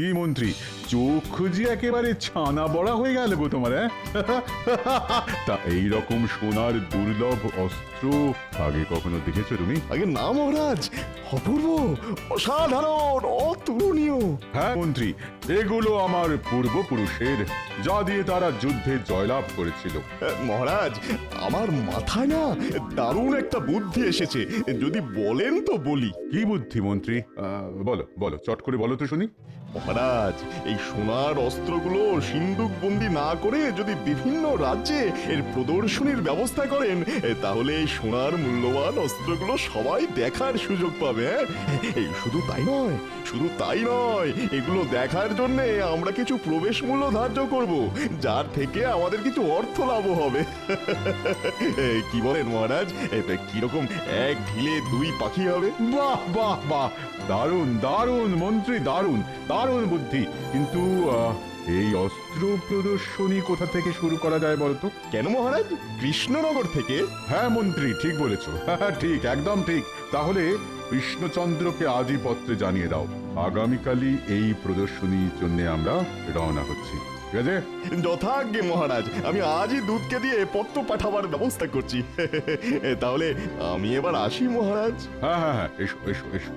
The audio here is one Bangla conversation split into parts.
কি মন্ত্রী, চোখ যে একেবারে ছানা বড়া হয়ে গেল গো তোমার, হ্যাঁ? তা এইরকম সোনার দুর্লভ অস্ত্র আগে কখনো দেখেছো তুমি? আগে না মহারাজ, অপূর্ব, অসাধারণ, অতুলনীয়। হ্যাঁ মন্ত্রী, এগুলো আমার পূর্বপুরুষের, যা দিয়ে তারা যুদ্ধে জয়লাভ করেছিল। মহারাজ, আমার মাথায় না দারুণ একটা বুদ্ধি এসেছে, যদি বলেন তো বলি। কি বুদ্ধি মন্ত্রী? বলো বলো, চট করে বলো তো শুনি। মহারাজ, এই সোনার অস্ত্রগুলো সিন্দুক বন্দি না করে যদি বিভিন্ন রাজ্যে এর প্রদর্শনীর ব্যবস্থা করেন, তাহলে এই সোনার মূল্যবান অস্ত্রগুলো সবাই দেখার সুযোগ পাবে। এই শুধু তাই নয়, শুধু তাই নয়, এগুলো দেখার জন্য আমরা কিছু প্রবেশ মূল্য ধার্য করব, যার থেকে আমাদের কিছু অর্থ লাভ হবে। কি বলেন মহারাজ, কিরকম এক ঢিলে দুই পাখি হবে? বাহ বাহ বাহ, দারুণ দারুণ মন্ত্রী, দারুণ দারুণ বুদ্ধি। কিন্তু এই অস্ত্র প্রদর্শনী কোথা থেকে শুরু করা যায় বলতো? কেন মহারাজ, কৃষ্ণনগর থেকে? হ্যাঁ মন্ত্রী, ঠিক বলেছো। হ্যাঁ ঠিক, একদম ঠিক। তাহলে কৃষ্ণচন্দ্রকে আজই পত্রে জানিয়ে দাও, আগামীকালই এই প্রদর্শনীর জন্য আমরা রওনা হচ্ছি। ঠিক আছে? যথাজ্ঞে মহারাজ, আমি আজই দুধকে দিয়ে পত্র পাঠাবার ব্যবস্থা করছি। তাহলে আমি এবার আসি মহারাজ। হ্যাঁ হ্যাঁ হ্যাঁ, এসো এসো এসো।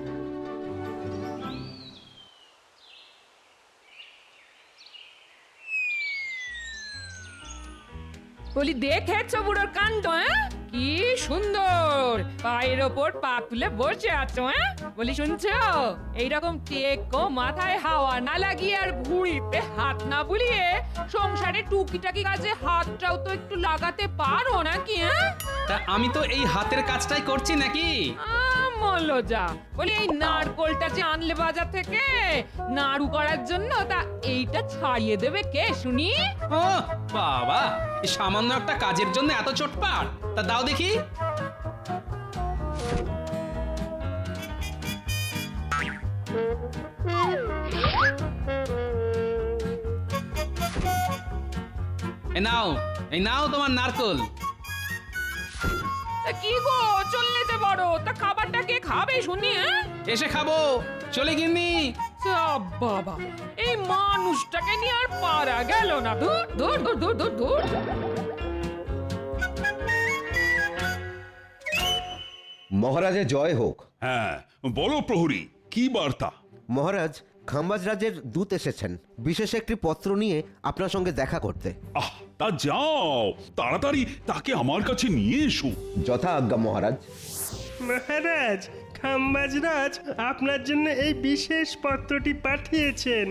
বলি, দেখেছো বুড়োর কাণ্ড? হ্যাঁ, কি সুন্দর পায়ের ওপর পা তুলে বসে আছো। হ্যাঁ, বলি শুনছো, এইরকম টেকো মাথায় হাওয়া না লাগিয়ে আর ভুঁড়িতে হাত না বুলিয়ে সংসারে টুকিটাকি কাজে হাতটাও তো একটু লাগাতে পারো নাকি? হ্যাঁ, তা আমি তো এই হাতের কাজটাই করছি নাকি? মল্লো যা, বলি এই নারকোলটা যে আনলে বাজার থেকে নাড়ু করার জন্য, তা এইটা ছাড়িয়ে দেবে কে শুনি? ও বাবা, এই সামান্য একটা কাজের জন্য এত চটপাট? তা দাও দেখি। এই নাও তোমার নারকোল। তা কি গো, চললে যে বড়, তা খাবারটা কে খাবে শুনি? হ্যাঁ, এসে খাবো, চলে গিন্নি। বাবা, এই মানুষটাকে নিয়ে আর পারা গেল না। দূর দূর দূর দূর দূর দূর। মহারাজের জয় হোক। হ্যাঁ, বলো প্রহরী, কি বার্তা? মহারাজ, খাম্বাজ রাজের দূত এসেছেন বিশেষ একটি পত্র নিয়ে আপনার সঙ্গে দেখা করতে। আহ, তা যাও, তাড়াতাড়ি তাকে আমার কাছে নিয়ে এসো। যথা আজ্ঞা মহারাজ। মহারাজ, খাম্বাজরাজ আপনার জন্য এই বিশেষ পত্রটি পাঠিয়েছেন।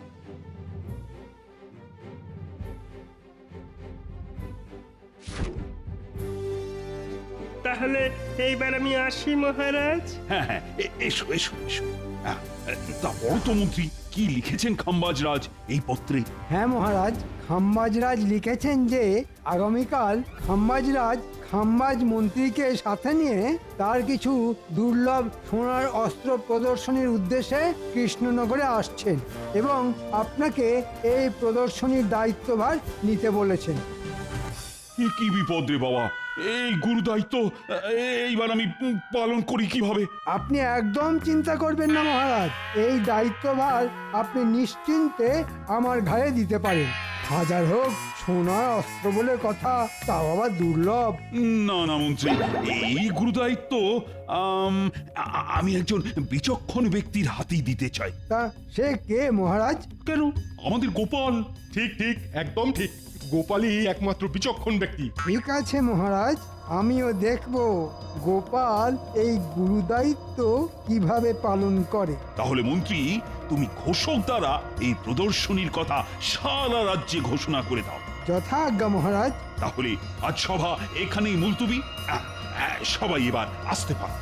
তাহলে এইবার আমি আসি মহারাজ। হ্যাঁ হ্যাঁ, এসো এসো এসো। তা বড় তো মন্ত্রী, কি লিখেছেন খাম্বাজ রাজ এই পত্রে? হ্যাঁ মহারাজ, খাম্বাজরাজ লিখেছেন যে আগামীকাল খাম্বাজরাজ খাম্বাজ মন্ত্রীকে সাথে নিয়ে তার কিছু দুর্লভ সোনার অস্ত্র প্রদর্শনীর উদ্দেশ্যে কৃষ্ণনগরে আসছেন এবং আপনাকে এই প্রদর্শনীর দায়িত্বভার নিতে বলেছেন। কি বিপদ রে বাবা, এই গুরু দায়িত্ব এইবার আমি পালন করি কিভাবে? আপনি একদম চিন্তা করবেন না মহারাজ, এই দায়িত্বভার আপনি নিশ্চিন্তে আমার ঘাড়ে দিতে পারেন। হাজার হোক সোনার অস্ত্র বলে কথা, তাও আবার দুর্লভ। না না মন্ত্রী, এই গুরু দায়িত্ব আমি একজন বিচক্ষণ ব্যক্তির হাতেই দিতে চাই। তা সে কে মহারাজ? কেন, আমাদের গোপাল। ঠিক ঠিক, একদম ঠিক, গোপালই একমাত্র বিচক্ষণ ব্যক্তি। ঠিক আছে মহারাজ, আমিও দেখব গোপাল এই গুরুদায়িত্ব কিভাবে পালন করে। তাহলে মন্ত্রী, তুমি ঘোষক দ্বারা এই প্রদর্শনীর কথা সারা রাজ্যে ঘোষণা করে দাও। যথা আজ্ঞা মহারাজ। তাহলে আজ সভা এখানেই মুলতুবি। সবাই এবার আসতে পারে।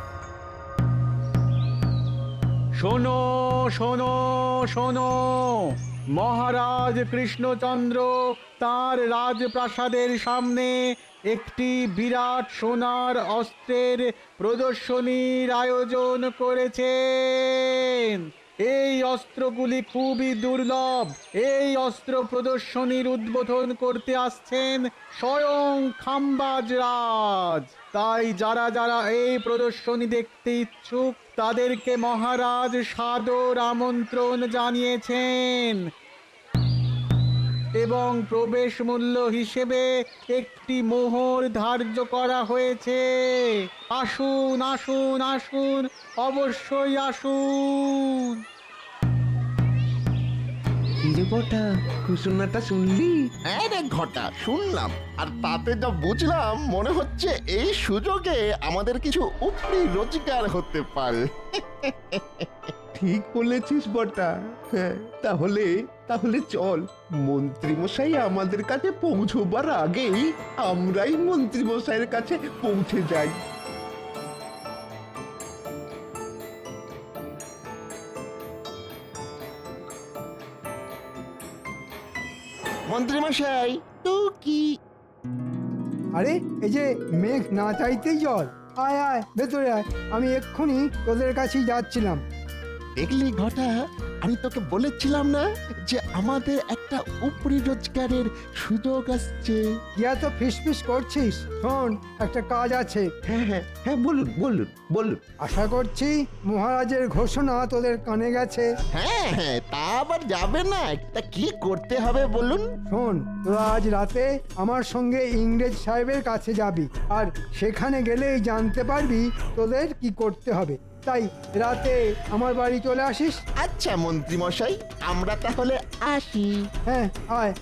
শোনো শোনো শোনো, মহারাজ কৃষ্ণচন্দ্র তার রাজপ্রাসাদের সামনে একটি বিরাট সোনার অস্ত্রের প্রদর্শনীর আয়োজন করেছেন। এই অস্ত্রগুলি খুবই দুর্লভ। এই অস্ত্র প্রদর্শনীর উদ্বোধন করতে আসছেন স্বয়ং খাম্বাজ রাজ। তাই যারা যারা এই প্রদর্শনী দেখতে ইচ্ছুক তাদেরকে মহারাজ সাদর আমন্ত্রণ জানিয়েছেন এবং প্রবেশ মূল্য হিসেবে একটি মোহর ধার্য করা হয়েছে। আসুন আসুন আসুন, অবশ্যই আসুন। বটা ঘোষণাটা শুনলি? হ্যাঁ রে ঘটা, শুনলাম। আর তাতে যা বুঝলাম, মনে হচ্ছে এই সুযোগে আমাদের কিছু উপরি রোজগার হতে পারে। ঠিক বলেছিস বটা। হ্যাঁ, তাহলে তাহলে চল, মন্ত্রী মশাই আমাদের কাছে পৌঁছবার আগেই আমরাই মন্ত্রী মশাইয়ের কাছে পৌঁছে যাই। মন্ত্রী মশাই তো কি? আরে এই যে মেঘ না চাইতেই জল। আয় আয় ভেতরে আয়, আমি এক্ষুনি তোদের কাছেই যাচ্ছিলাম। দেখলি ঘটা, আমি তোকে বলেছিলাম না যে আমাদের একটা উপরি রোজগারের সুযোগ আসছে। কি এত ফিসফিস করছিস? শোন, একটা কাজ আছে। হ্যাঁ হ্যাঁ হ্যাঁ, বলুন বলুন বলুন। আশা করছি মহারাজের ঘোষণা তোদের কানে গেছে। হ্যাঁ হ্যাঁ, তা আবার যাবে না। তা কি করতে হবে বলুন? শোন, তোরা আজ রাতে আমার সঙ্গে ইংরেজ সাহেবের কাছে যাবি, আর সেখানে গেলেই জানতে পারবি তোদের কি করতে হবে। তাই রাতে আমার বাড়ি চলে আসিস। আচ্ছা মন্ত্রী মশাই, আমরা তাহলে আসি। হ্যাঁ আয়।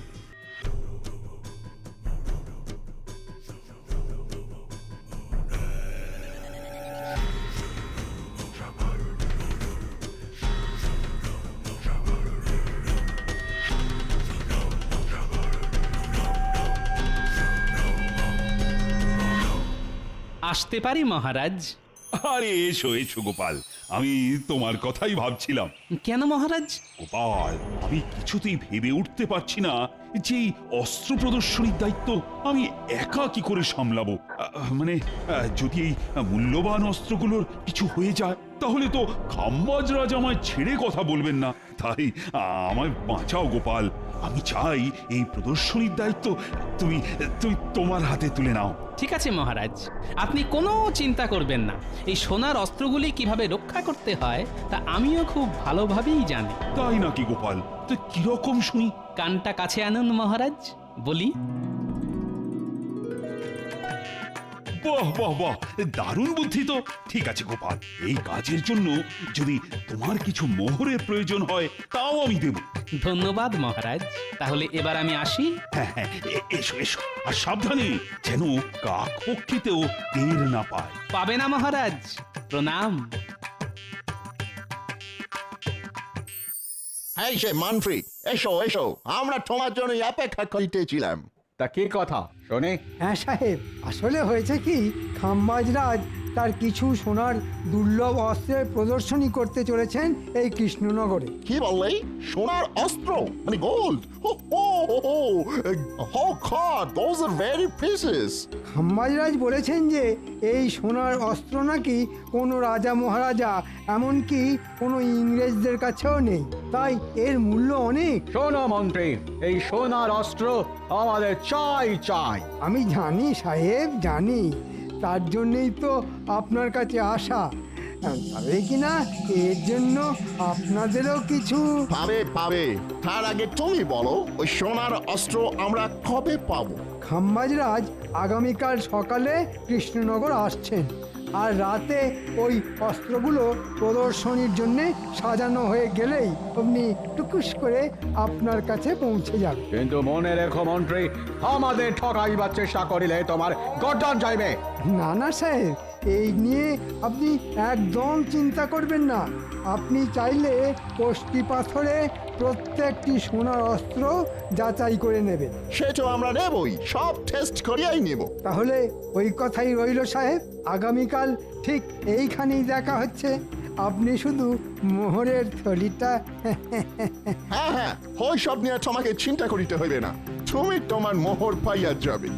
আসতে পারি মহারাজ? আরে এসো এসো গোপাল, আমি তোমার কথাই ভাবছিলাম। কেন মহারাজ? গোপাল, আমি কিছুতেই ভেবে উঠতে পারছি না যে এই অস্ত্র প্রদর্শনীর দায়িত্ব আমি একা কি করে সামলাবো। মানে যদি এই মূল্যবান অস্ত্রগুলোর কিছু হয়ে যায় তাহলে তো খাম্বাজ রাজ আমায় ছেড়ে কথা বলবেন না। তাই আমায় বাঁচাও গোপাল। আমি চাই এই প্রদর্শনীর দায়িত্ব তুমি তুমি তোমার হাতে তুলে নাও। ঠিক আছে মহারাজ, আপনি কোনো চিন্তা করবেন না। এই সোনার অস্ত্রগুলি কিভাবে রক্ষা করতে হয় তা আমিও খুব ভালোভাবেই জানি। তাই নাকি গোপাল? তো কিরকম শুনি? কানটা কাছে আনুন মহারাজ, বলি। বাহ বাহ বাহ, দারুণ বুদ্ধি তো। ঠিক আছে গোপাল, এই কাজের জন্য যদি তোমার কিছু মোহরের প্রয়োজন হয় তাও আমি দেব। ধন্যবাদ মহারাজ, তাহলে এবার আমি আসি। হ্যাঁ হ্যাঁ, এসো এসো, আর সাবধানে যেন কাক পক্ষীতেও টের না পায়। পাবে না মহারাজ, প্রণাম। এই সে মানফ্রি, এসো এসো, আমরা তোমার জন্য অপেক্ষা করিতেছিলাম। তা কি কথা শোনে? হ্যাঁ সাহেব, আসলে হয়েছে কি, খাম্বাজ রাজ তার কিছু সোনার দুর্লভ অস্ত্রের প্রদর্শনী করতে চলেছেন এই কৃষ্ণনগরে। কি বললে? সোনার অস্ত্র মানে gold? Those are very precious. Khambaj Raj বলেছেন যে এই সোনার অস্ত্র নাকি কোনো রাজা মহারাজা, এমনকি কোনো ইংরেজদের কাছেও নেই, তাই এর মূল্য অনেক। শোনো মন্ত্রী, এই সোনার অস্ত্র আমাদের চাই চাই। আমি জানি সাহেব, জানি, তার জন্যই তো আপনার কাছে আসা। তবে কিনা এর জন্য আপনাদেরও কিছু পাবে পাবে। তার আগে তুমি বলো, ওই সোনার অস্ত্র আমরা কবে পাবো? খাম্বাজ রাজ আগামীকাল সকালে কৃষ্ণনগর আসছেন, আর রাতে ওই অস্ত্রগুলো প্রদর্শনীর জন্যে সাজানো হয়ে গেলেই আপনি টুকুস করে আপনার কাছে পৌঁছে যাবে। কিন্তু মনে রেখো মন্ত্রী, আমাদের ঠকাইবার চেষ্টা করিলে তোমার গর্দান যাইবে। না না সাহেব, এই নিয়ে আপনি একদম চিন্তা করবেন না। আপনি চাইলে কষ্টি পাথরে প্রত্যেকটি সোনার অস্ত্র যাচাই করে নেবেন। সে তো আমরা নেবই, সব টেস্ট করিয়াই নেব। তাহলে ওই কথাই রইল সাহেব, আগামীকাল ঠিক এইখানেই দেখা হচ্ছে। আপনি শুধু মোহরের থলিটা হ্যাঁ হ্যাঁ, ওই সব নিয়ে তোমাকে চিন্তা করিতে হইবে না। তুমি তোমার মোহর পাইয়া যাবে।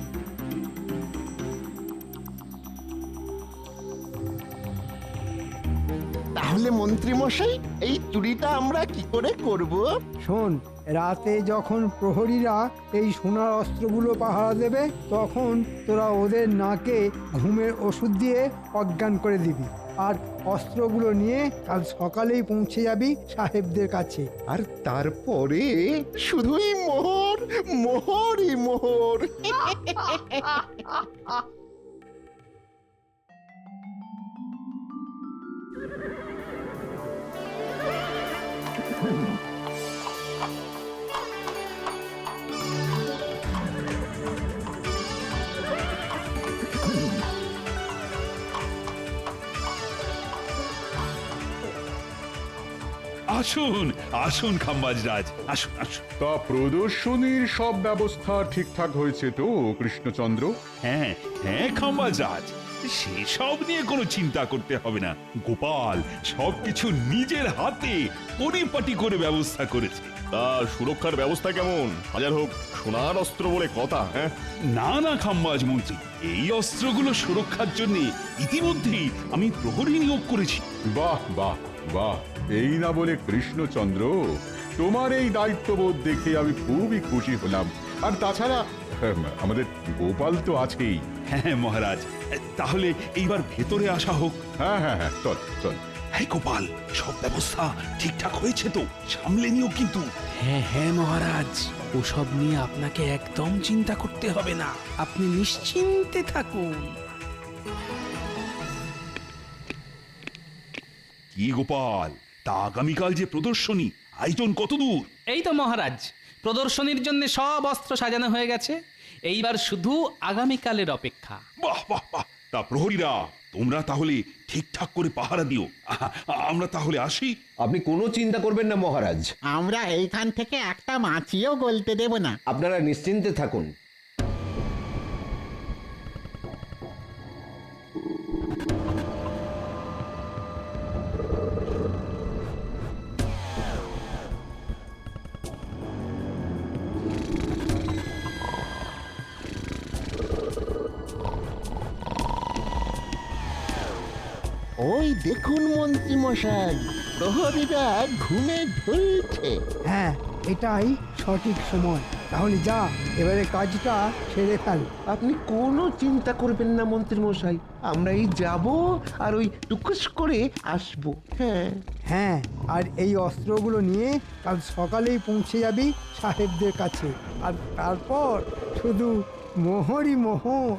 তাহলে মন্ত্রী মশাই এই চুরিটা আমরা কি করে করব? শোন, রাতে যখন প্রহরীরা এই সোনার অস্ত্রগুলো পাহারা দেবে তখন তোরা ওদের নাকে ঘুমের ওষুধ দিয়ে অজ্ঞান করে দিবি, আর অস্ত্রগুলো নিয়ে কাল সকালেই পৌঁছে যাবি সাহেবদের কাছে। আর তারপরে শুধুই মোহর, মোহরই মোহর। আসুন আসুন খাম্বাজরাজ, আসুন আসুন। তা প্রদর্শনীর সব ব্যবস্থা ঠিকঠাক হয়েছে তো কৃষ্ণচন্দ্র? হ্যাঁ হ্যাঁ খাম্বাজরাজ, সেসব নিয়ে কোনো চিন্তা করতে হবে না। গোপাল সবকিছু নিজের হাতে পরিপাটি করে ব্যবস্থা করেছে। তা সুরক্ষার ব্যবস্থা কেমন? হাজার হোক সোনার অস্ত্র বলে কথা। হ্যাঁ, না না খাম্বাজ মন্ত্রী, এই অস্ত্রগুলো সুরক্ষার জন্য ইতিমধ্যেই আমি প্রহরী নিয়োগ করেছি। বাহ বাহ বাহ, এই না বলে কৃষ্ণচন্দ্র, তোমার এই দায়িত্ববোধ দেখে আমি খুবই খুশি হলাম। আর তাছাড়া আমাদের গোপাল তো আছেই। হ্যাঁ মহারাজ, তাহলে এইবার ভেতরে আসা হোক। হ্যাঁ হ্যাঁ হ্যাঁ, চল চল। হ্যাঁ গোপাল, সব ব্যবস্থা ঠিকঠাক হয়েছে তো? সামলে নিও কিন্তু। হ্যাঁ হ্যাঁ মহারাজ, ওসব নিয়ে আপনাকে একদম চিন্তা করতে হবে না, আপনি নিশ্চিন্তে থাকুন। কি গোপাল, তা আগামীকাল যে প্রদর্শনী, আয়োজন কত দূর? এই তো মহারাজ, প্রদর্শনীর জন্য সব অস্ত্র সাজানো হয়ে গেছে, এইবার শুধু আগামীকালের অপেক্ষা। বাহ বাহ বাহ, তা প্রহরীরা তোমরা তাহলে ঠিকঠাক করে পাহারা দিও। আমরা তাহলে আসি। আপনি কোনো চিন্তা করবেন না মহারাজ, আমরা এইখান থেকে একটা মাছিও গলতে দেব না। আপনারা নিশ্চিন্তে থাকুন। ওই দেখুন মন্ত্রী মশাই, প্রহরীরা ঘুমে ঢুলছে। হ্যাঁ, এটাই সঠিক সময়। তাহলে যা, এবারে কাজটা সেরে ফেল। আপনি কোনো চিন্তা করবেন না মন্ত্রী মশাই, আমরা এই যাব আর ওই টুকুস করে আসবো। হ্যাঁ হ্যাঁ, আর এই অস্ত্রগুলো নিয়ে কাল সকালেই পৌঁছে যাবি সাহেবদের কাছে, আর তারপর শুধু মোহরই মোহর।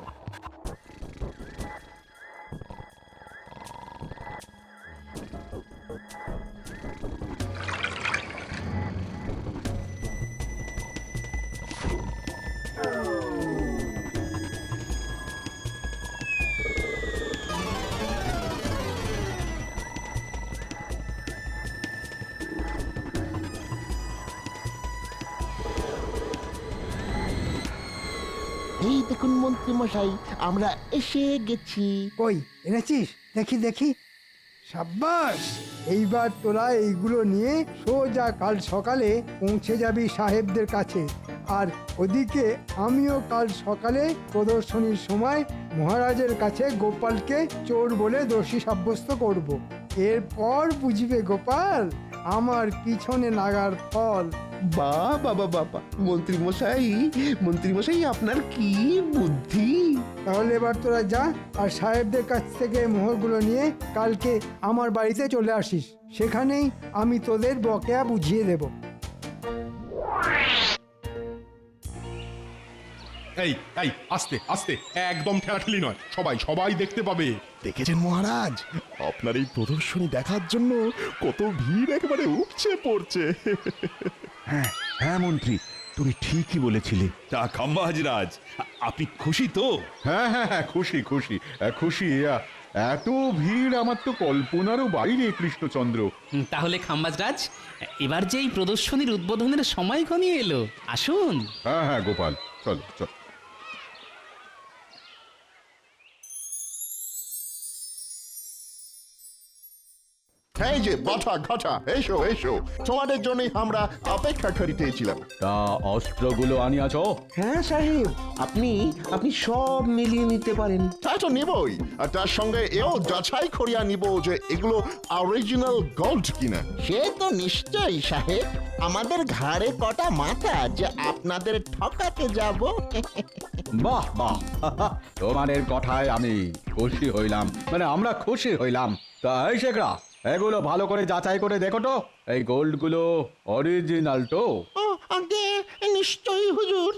এই দেখুন মন্ত্রী মশাই, আমরা এসে গেছি। কই এনেছিস? দেখি দেখি। সাব্বাস, এইবার তোরা এইগুলো নিয়ে সোজা কাল সকালে পৌঁছে যাবি সাহেবদের কাছে। আর ওদিকে আমিও কাল সকালে প্রদর্শনীর সময় মহারাজের কাছে গোপালকে চোর বলে দোষী সাব্যস্ত করব। এরপর বুঝবে গোপাল আমার পিছনে লাগার ফল। বাবা বাবা, মন্ত্রী মশাই আপনার কি বুদ্ধি! তাহলে এবার তোরা যা, আর সাহেবদের কাছ থেকে মোহরগুলো নিয়ে কালকে আমার বাড়িতে চলে আসিস। সেখানেই আমি তোদের বকেয়া বুঝিয়ে দেব। এই এই আস্তে আস্তে, একদম ঠেলাঠেলি নয়, সবাই সবাই দেখতে পাবে। দেখেছেন মহারাজ, আপনার এই প্রদর্শনী দেখার জন্য কত ভিড় একেবারে উপচে পড়ছে। হ্যাঁ হ্যাঁ মন্ত্রী, তুমি ঠিকই বলেছিলে। তা খাম্বাজরাজ, আপনি খুশি তো? হ্যাঁ হ্যাঁ হ্যাঁ, খুশি খুশি খুশি। এত ভিড় আমার তো কল্পনারও বাইরে কৃষ্ণচন্দ্র। তাহলে খাম্বাজরাজ, এবার যে এই প্রদর্শনীর উদ্বোধনের সময় ঘনিয়ে এলো, আসুন। হ্যাঁ হ্যাঁ গোপাল, চল চল। এই যে বাটা ঘাটা, এসো এসো, তোমাদের জন্যই আমরা অপেক্ষা করিতেছিলাম। তা অস্ত্রগুলো আনিয়াছ? হ্যাঁ সাহেব, আপনি আপনি সব মিলিয়ে নিতে পারেন। তা তো নিবই, আর তার সঙ্গে এও যাচাই করিয়া নিব যে এগুলো অরিজিনাল গোল্ড কিনা। সে তো নিশ্চয়ই সাহেব, আমাদের ঘাড়ে কটা মাথা যে আপনাদের ঠকাতে যাব। বাহ বাহ তোমাদের কথায় আমি খুশি হইলাম, মানে আমরা খুশি হইলাম। তা এই শেখরা, এগুলো ভালো করে যাচাই করে দেখো তো, এই গোল্ডগুলো অরিজিনাল তো? ও আগে নিশ্চয়ই হুজুর।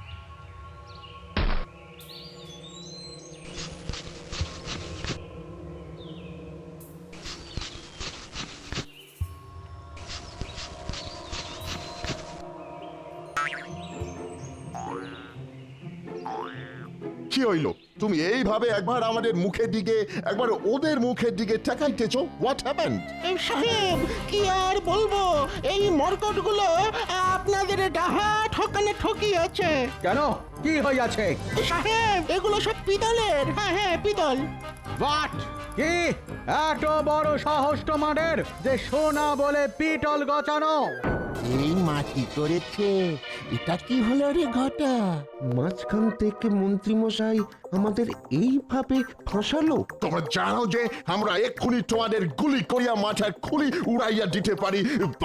কি হইল? তুমি এইভাবে একবার আমাদের মুখের দিকে একবার ওদের মুখের দিকে তাকাইতেছ। What happened? সাহেব কি আর বলবো, এই মরকটগুলো আপনাদের ডাহা ঠকানে ঠকিয়েছে। কেন, কি হইয়াছে? সাহেব এগুলো সব পিতলের। হ্যাঁ হ্যাঁ পিতল। বাট কি এত বড় সাহস তোমাদের যে সোনা বলে পিতল গচানো? এই মাটি করেছে, এটা কি হলো রে ঘটা? মাঝখান থেকে মন্ত্রী মশাই আমাদের এইভাবে ফাঁসালো। তোমরা জানো যে আমরা এক্ষুনি তোমাদের গুলি করিয়া মাথার খুলি উড়াইয়া দিতে পারি।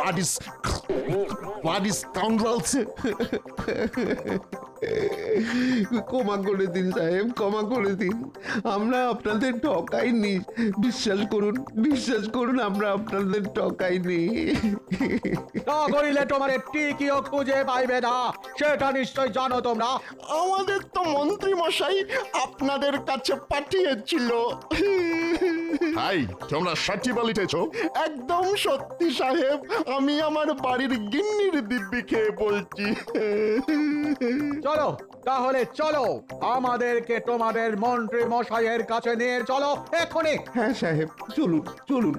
বাডিস কাউন্ডালস। ক্ষমা করে দিন সাহেব, ক্ষমা করে দিন। আমরা আপনাদের ঠকাইনি, বিশ্বাস করুন আমরা আপনাদের ঠকাইনি। তা করিলে তোমার টিকিও খুঁজে পাইবে না, সেটা নিশ্চয় জানো তোমরা। আমাদের তো মন্ত্রী মশাই আপনাদের কাছে পাঠিয়েছিল। হাই, তোমরা সত্যি বলিতেছ? একদম সত্যি সাহেব, আমি আমার বাড়ির গিন্নির দিব্যি খেয়ে বলছি। চলো তাহলে চলো, আমাদেরকে তোমাদের মন্ত্রী মশাইয়ের কাছে নিয়ে চলো এখনই। হ্যাঁ সাহেব, চলুন চলুন।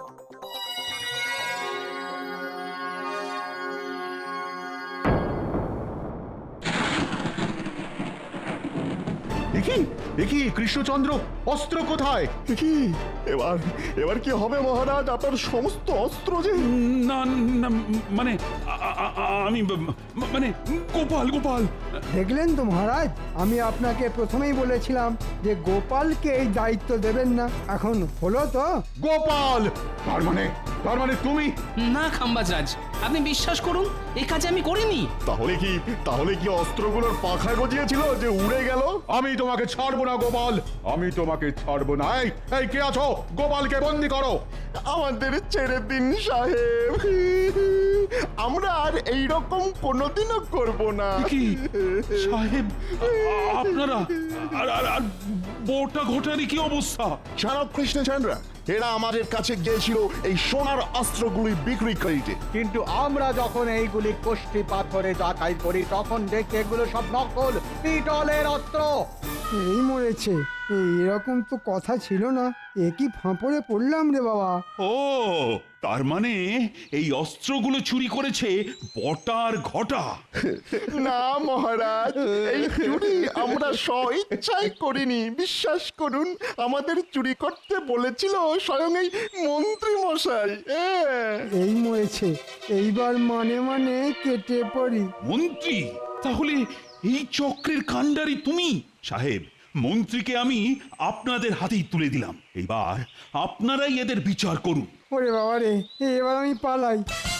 দেখি কৃষ্ণচন্দ্র, অস্ত্র কোথায়? কি এবার এবার কি হবে মহারাজ? আপনার সমস্ত অস্ত্র যে। না না, মানে আমি মানে গোপাল গোপাল। দেখলেন তো মহারাজ, আমি আপনাকে প্রথমেই বলেছিলাম যে গোপালকে এই দায়িত্ব দেবেন না। এখন হলো তো। গোপাল, তার মানে তুমি? না খাম্বাজরাজ, আপনি বিশ্বাস করুন, এই কাজ আমি করিনি। তাহলে কি অস্ত্রগুলোর পাখা গজিয়েছিল যে উড়ে গেল? আমি তোমাকে ছাড়বো না গোপাল, আমি তোমাকে ছাড়বো না। এই কে আছো? গোপালকে বন্দি করো। আমাদের ছেড়ে দিন সাহেব, আমরা আর এইরকম কোনোদিনও করব না। কি সাহেব, আপনারা আর বোটা ঘটারি কি অবস্থা? জানো কৃষ্ণচন্দ্র, এরা আমাদের কাছে গিয়েছিল এই সোনার অস্ত্রগুলি বিক্রি করিতে, কিন্তু আমরা যখন এইগুলি কোষ্ঠী পাথরে যাচাই করি তখন দেখি এগুলো সব নকল পিতলের অস্ত্র। এই মরেছে, এরকম তো কথা ছিল না। এ কি ফাঁপড়ে পড়লাম রে বাবা। ও, তার মানে এই অস্ত্রগুলো চুরি করেছে বটার ঘটা। না মহারাজ, এই চুরি আমরা স্বইচ্ছায় করিনি। বিশ্বাস করুন, আমাদের চুরি করতে বলেছিল স্বয়ং এই মন্ত্রী মশাই। এই মরেছে, এইবার মানে কেটে পড়ি। মন্ত্রী? তাহলে এই চক্রের কাণ্ডারি তুমি? সাহেব, মন্ত্রীকে আমি আপনাদের হাতেই তুলে দিলাম, এবার আপনারাই এদের বিচার করুন। ওরে বাবা রে, এবার আমি পালাই।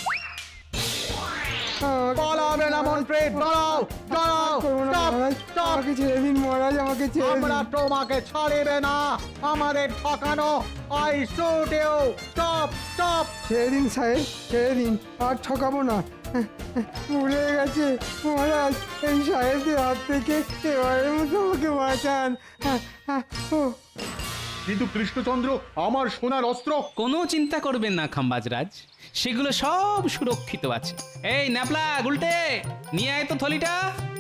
পালাবে না মন্ত্রী, দাঁড়াও দাঁড়াও, আমাকে ছেড়ে দিন মহারাজ, আমাকে ছেড়ে আমরা দিন। তোমাকে ছাড়িবে না, আমাদের ঠকানো। I shoot you, stop stop. ছেড়ে দিন সাহেব, ছেড়ে দিন, আর ঠকাবো না। ভুলে গেছে মহারাজ, এই সাহেবদের হাত থেকে এবারের মতো আমাকে বাঁচান। ও কিন্তু কৃষ্ণচন্দ্র, আমার সোনার অস্ত্র? কোনো চিন্তা করবেন না খাম্বাজরাজ, সেগুলো সব সুরক্ষিত আছে। এই ন্যাপলা গুলটে, নিয়ে আয় তো থলিটা।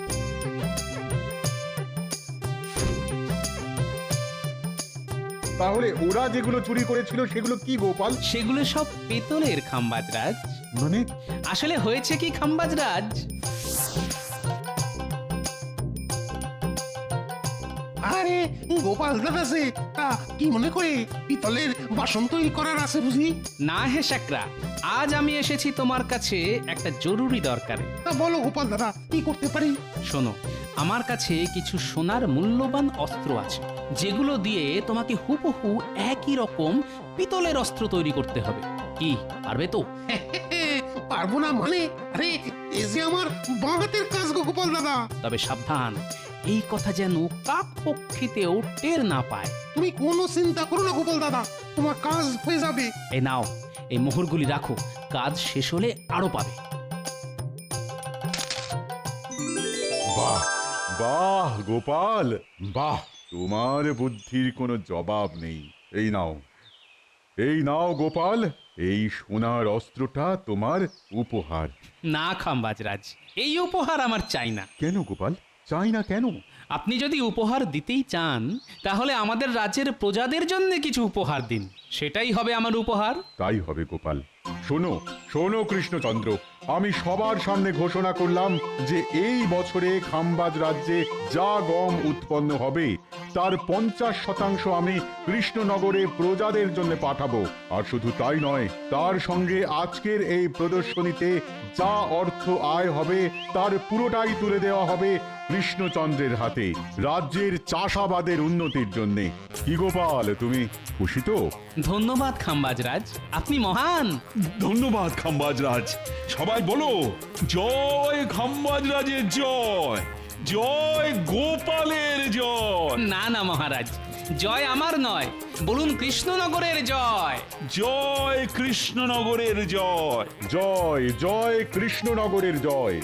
তাহলে ওরা যেগুলো চুরি করেছিল সেগুলো কি গোপাল? সেগুলো সব পেতলের খাম্বাজরাজ। মানে আসলে হয়েছে কি খাম্বাজরাজ, আরে আরে গোপাল দাদা সে কি মনে করে পিতলের বাসন তৈরি করার আছে বুঝি? না হে শাকরা, আজ আমি এসেছি তোমার কাছে একটা জরুরি দরকারে। তা বলো গোপাল দাদা, কি করতে পারি? শোনো, আমার কাছে কিছু সোনার মূল্যবান অস্ত্র আছে, যেগুলো দিয়ে তোমাকে হুবহু একই রকম পিতলের অস্ত্র তৈরি করতে হবে। কি পারবে তো? পারবো না মানে? আরে এই যে আমার বাঁ হাতের কাজ গো গোপাল দাদা। তবে সাবধান, এই কথা যেন কাক পক্ষীতেও টের না পায়। তুমি কোনো চিন্তা করো না গোপাল দাদা, তোমার কাজ হয়ে যাবে। এই নাও, এই মোহরগুলি রাখো, কাজ শেষ হলে আরো পাবে। বাহ বাহ গোপাল, বাহ, তোমার বুদ্ধির কোনো জবাব নেই। এই নাও গোপাল, এই সোনার অস্ত্রটা তোমার উপহার। না খাম্বাজরাজ, এই উপহার আমার চাই না। কেন গোপাল, চাই না কেন? আপনি যদি উপহার দিতেই চান, তাহলে আমাদের রাজ্যের প্রজাদের জন্য কিছু উপহার দিন, সেটাই হবে আমার উপহার। তাই হবে গোপাল। শোনো শোনো কৃষ্ণচন্দ্র, আমি সবার সামনে ঘোষণা করলাম যে এই বছরে খাম্বাজ রাজ্যে যা গম উৎপন্ন হবে তার 50% আমি কৃষ্ণনগরে প্রজাদের জন্য পাঠাবো। আর শুধু তাই নয়, তার সঙ্গে আজকের এই প্রদর্শনীতে যা অর্থ আয় হবে তার পুরোটাই তুলে দেওয়া হবে কৃষ্ণচন্দ্রের হাতে, রাজ্যের চাষাবাদের উন্নতির জন্যে। কি গোপাল, তুমি খুশি তো? ধন্যবাদ খাম্বাজরাজ, আপনি মহান। ধন্যবাদ খাম্বাজরাজ। সবাই বলো, জয় খাম্বাজরাজের জয়, জয় গোপালের জয়। না না মহারাজ, জয় আমার নয়, বলুন কৃষ্ণনগরের জয়। জয় কৃষ্ণনগরের জয়। জয় জয় কৃষ্ণনগরের জয়।